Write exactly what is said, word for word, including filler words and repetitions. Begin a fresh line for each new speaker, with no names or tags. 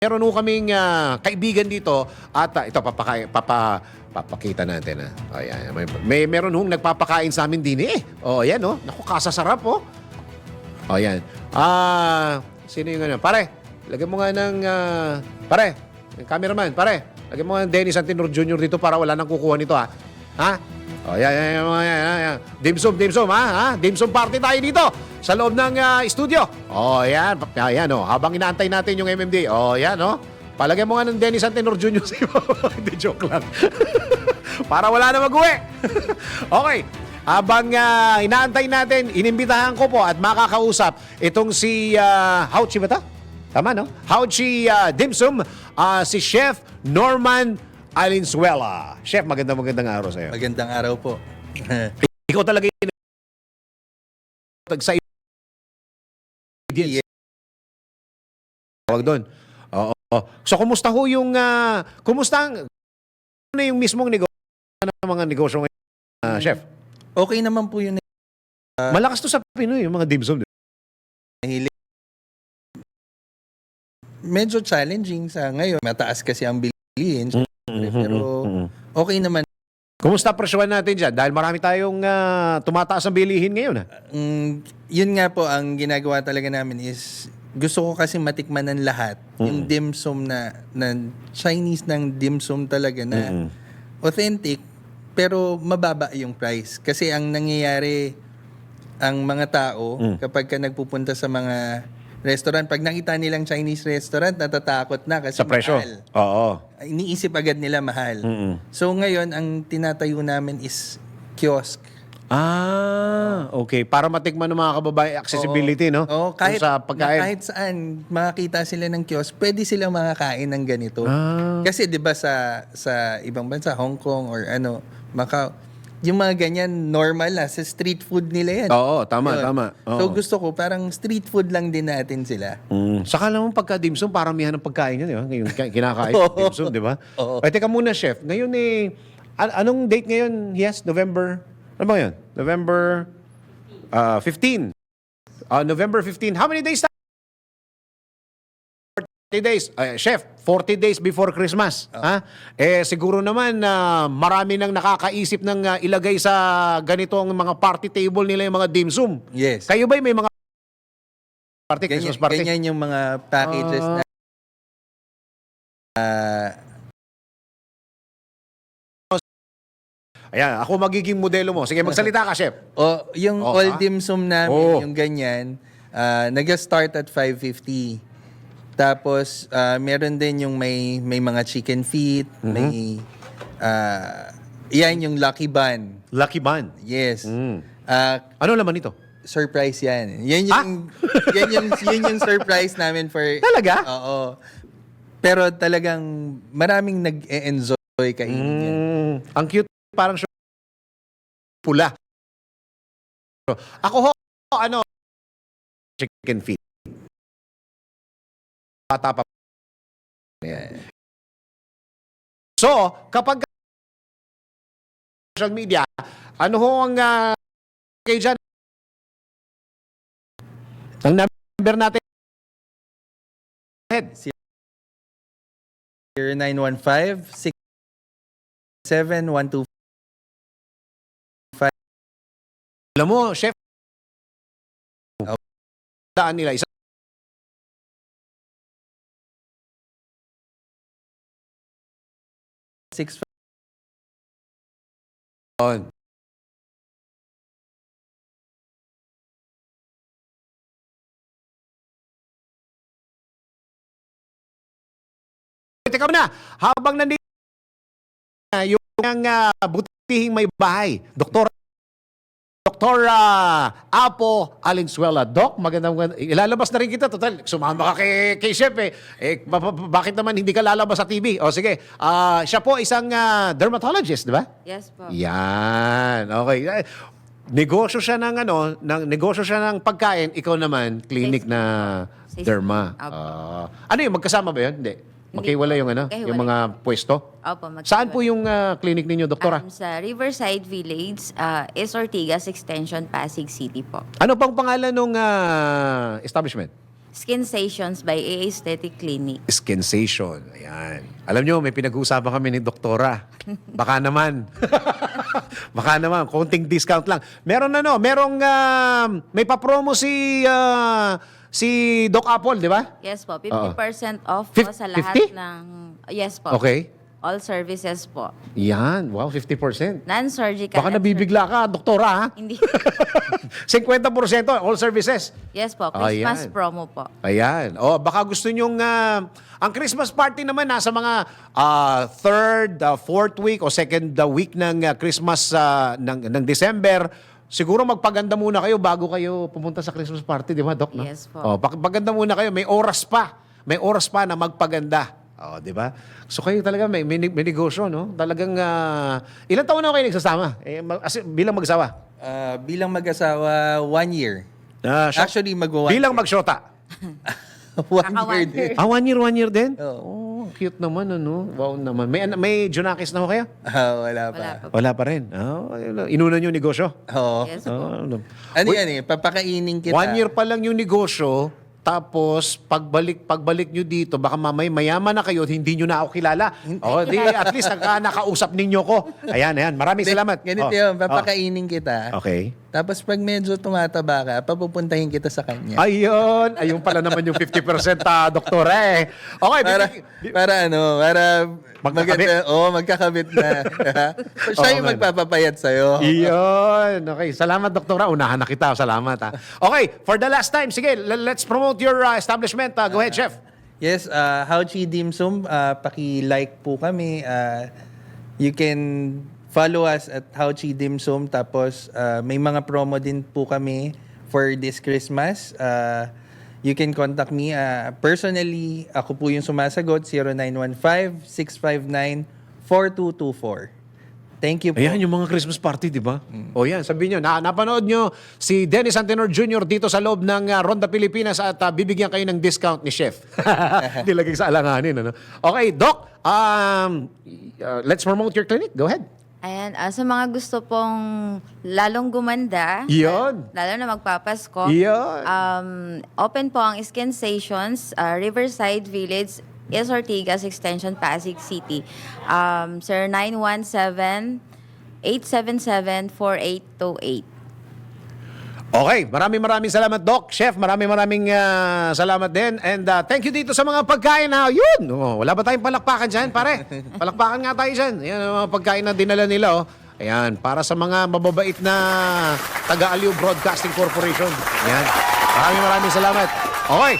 Meron ho kaming ah, kaibigan dito at ah, ito papaka, papa, papakita natin ah. Oh, yan. May, may meron hong nagpapakain sa amin din eh. Oh, yan oh. Naku, kasasarap oh. Oh, yan. Ah, sino yung ano? Pare, lagyan mo nga ng ah, pare, yung cameraman, pare. Lagyan mo nga ng Dennis Antinor Junior dito para wala nang kukuha nito ha. Ha? Oh, yan, yan, yan, yan, yan, yan. Dimsum, dimsum, ha? ha? Dimsum party tayo dito sa loob ng uh, studio. Oh, yan. Yan, oh. Habang inaantay natin yung M M D. Oh, yan, oh. Palagay mo nga ng Dennis Antinor Junior sa Hindi, joke lang. Para wala na mag-uwi. Okay. Habang uh, inaantay natin, inimbitahan ko po at makakausap itong si uh, Hauchi ba ta? Tama, no? Hauchi uh, Dimsum, uh, si Chef Norman Alinsuela. Chef, magandang magandang araw sa iyo.
Magandang araw po.
Ikaw talaga yung sa
Yes.
tawag doon. Oo. So, kumusta ho yung, uh, kumusta ang, ano yung mismong negosyo ng mga negosyo ngayon, uh, Chef?
Okay naman po yun.
Uh, Malakas to sa Pinoy, yung mga dimsum.
Mahilig. Medyo challenging sa ngayon. Mataas kasi ang bilihin. Mm-hmm. Pero okay naman.
Kumusta presyohan natin dyan? Dahil marami tayong uh, tumataas ang bilihin ngayon. Ha?
Um, yun nga po, ang ginagawa talaga namin is gusto ko kasi matikman ng lahat. Mm-hmm. Yung dimsum na, na Chinese ng dimsum talaga na mm-hmm. authentic pero mababa yung price. Kasi ang nangyayari ang mga tao mm. kapag ka nagpupunta sa mga restaurant, pag nakita nilang Chinese restaurant, natatakot na kasi
sa presyo.
mahal.
Oo.
Iniisip agad nila mahal.
Mm-mm.
So ngayon, ang tinatayo namin is kiosk.
Ah, okay. Para matikman ng mga kababae, accessibility, no?
Oo, kahit,
sa pagkain.
kahit saan makakita sila ng kiosk, pwede silang makakain ng ganito.
Ah.
Kasi 'di ba sa sa ibang bansa, Hong Kong or ano, Macau, yung mga ganyan normal na sa street food nila yan.
Oo, tama,
Yun.
tama. Oo.
So gusto ko parang street food lang din natin sila.
Mm. Saka naman pagka dimsum, paramihan ng pagkain yun, di ba? Ngayon, kinakain
Oo.
dimsum, di ba?
Oo.
Ay, teka muna, Chef. Ngayon eh, an- anong date ngayon? Yes, November, ano ba yun? November uh, fifteen. Uh, November fifteen. How many days? forty days. Uh, Chef, forty days before Christmas.
Oh.
Ha? Eh, siguro naman na uh, marami nang nakakaisip ng uh, ilagay sa ganitong mga party table nila yung mga dimsum.
Yes.
Kayo ba may mga party,
Ganyan,
Christmas party?
ganyan yung mga packages
Ah.
na uh,
Ayan, ako magiging modelo mo. Sige, magsalita ka, Chef.
o yung
Oh,
all
ah?
dimsum namin,
Oh.
yung ganyan, uh, nag-start at five fifty. Tapos uh, meron din yung may may mga chicken feet,
Mm-hmm.
may uh, yan yung Lucky Bun.
Lucky Bun.
Yes.
Mm.
Uh,
Ano laman ito?
surprise yan. Yan yung yan yung yun yung surprise namin for
Talaga?
Oo. Pero talagang maraming nag-e-enjoy kainin yan.
Mm, ang cute, parang siya pula. Ako ho, ano, chicken feet. Bata pa.
Yeah.
So, kapag social media, ano ho ang uh, kayo dyan? Ang number natin. Head.
zero nine one five, six seven one two.
Alam mo, Chef, daan nila isa.
Six
On. Teka muna, habang nandito na yung uh, butihing may bahay, Doktor Doktor uh, Apo Alinsuela. Doc, magandang, magandang ilalabas na rin kita. Total, sumama ka kay, kay Chef eh. eh ba, ba, bakit naman hindi ka lalabas sa T V? O sige, uh, siya po isang uh, dermatologist, di ba?
Yes po.
Yan, okay. Eh, negosyo siya ng ano, ng negosyo siya ng pagkain, ikaw naman clinic
Safety
na
Safety.
derma.
Opo.
Ah, ano 'yun, magkasama ba 'yun? Hindi.
Hindi
Magkaiwalay
po.
yung ano,
Magkahiwalay.
yung mga pwesto.
Opo, magkaiwalay.
Saan po yung ah, clinic ninyo, doktora?
Um, sa Riverside Village, uh, is Ortigas Extension, Pasig City po.
Ano pang pangalan ng establishment?
Skin Stations by A Aesthetic Clinic.
Skin-sation. Ayan. Alam nyo, may pinag-uusapan kami ni Doktora. Baka naman. Baka naman. Konting discount lang. Meron ano, merong, ah, may pa-promo si, ah, si Doc Apple, di ba?
Yes po, fifty percent off
Fif-
po sa lahat
fifty?
ng... Yes po.
Okay.
All services po.
Yan. Wow, fifty percent.
Non-surgical.
Baka
and
nabibigla ka, Doktora, ha?
sur- Hindi.
fifty percent all services.
Yes po,
Ayan.
Christmas promo po.
Ayan. O, baka gusto nyong... ah, ang Christmas party naman nasa mga ah, third, ah, fourth week o second ah, week ng ah, Christmas ah, ng, ng December. Siguro magpaganda muna kayo bago kayo pumunta sa Christmas party, di ba, Doc? No?
Yes po.
O, pag- paganda muna kayo. May oras pa. May oras pa na magpaganda. O, di ba? So kayo talaga may, may, may negosyo, no? Talagang... ah, ilang taon na kayo nagsasama? Eh, mag- as- bilang magsawa?
Ah, bilang mag-asawa, one year.
Ah, siya-
Actually, mag-one
bilang magsyota?
one
Naka
year
one
din.
year.
Ah, one year, one year din?
Oo.
Oh, cute naman, ano? Wow naman. May, may Junakis na ho kayo?
Ah, wala pa.
Wala pa po.
Wala pa rin. Oh, inuna nyo negosyo?
Oo.
Yes po.
Oh, ano.
Ano yan eh, papakainin kita.
One year pa lang yung negosyo, tapos pagbalik pagbalik nyo dito, baka mamay mayaman na kayo at hindi nyo na ako kilala. Oh, di, at least naka, nakausap ninyo ko. Ayan, ayan. Maraming salamat.
Ganito
Oh,
yun,
oh.
papakainin kita.
Okay.
Tapos pag medyo tumataba ka, papupuntahin kita sa kanya.
Ayun. Ayun pala naman yung fifty percent, ah, doktora eh. Okay.
Para,
bibig-
para ano, para
Magkakabit.
maganda, oo, magkakabit na. So, siya
Oo
yung
nga.
magpapapayat sa'yo.
Iyon. Okay. Salamat, doktora. Unahan na kita. Salamat, ha. Okay. For the last time, sige, l- let's promote your uh, establishment. Uh, go ahead, Chef.
Yes, uh, How Chi Dim Sum, uh, paki-like po kami. Uh, you can follow us at How Chi Dim Sum. Tapos uh, may mga promo din po kami for this Christmas. Uh, you can contact me. Uh, personally, ako po yung sumasagot, zero nine one five, six five nine, four two two four. Thank you po.
Ayan, yung mga Christmas party, di ba? O yan, sabihin nyo, na, napanood nyo si Dennis Antenor Junior dito sa loob ng uh, Ronda Pilipinas at uh, bibigyan kayo ng discount ni Chef. Dilagay sa alanganin. Ano? Okay, Doc, um, uh, let's promote your clinic. Go ahead.
Ayan, ah, sa mga gusto pong lalong gumanda,
Iyon.
lalo na magpapasko,
Iyon.
um, open po ang Skin Stations, ah, Riverside Village, is Ortigas Extension, Pasig City. Um, sir, nine one seven, eight seven seven, four eight two eight.
Okay, maraming maraming salamat, Doc. Chef, maraming maraming uh, salamat din. And uh, thank you dito sa mga pagkain na yun. Oh, wala ba tayong palakpakan dyan, pare? Palakpakan nga tayo dyan. Ayan ang mga pagkain na dinala nila. Oh. Ayan, para sa mga mababait na taga-Aliw Broadcasting Corporation. Ayan. Maraming maraming salamat. Okay.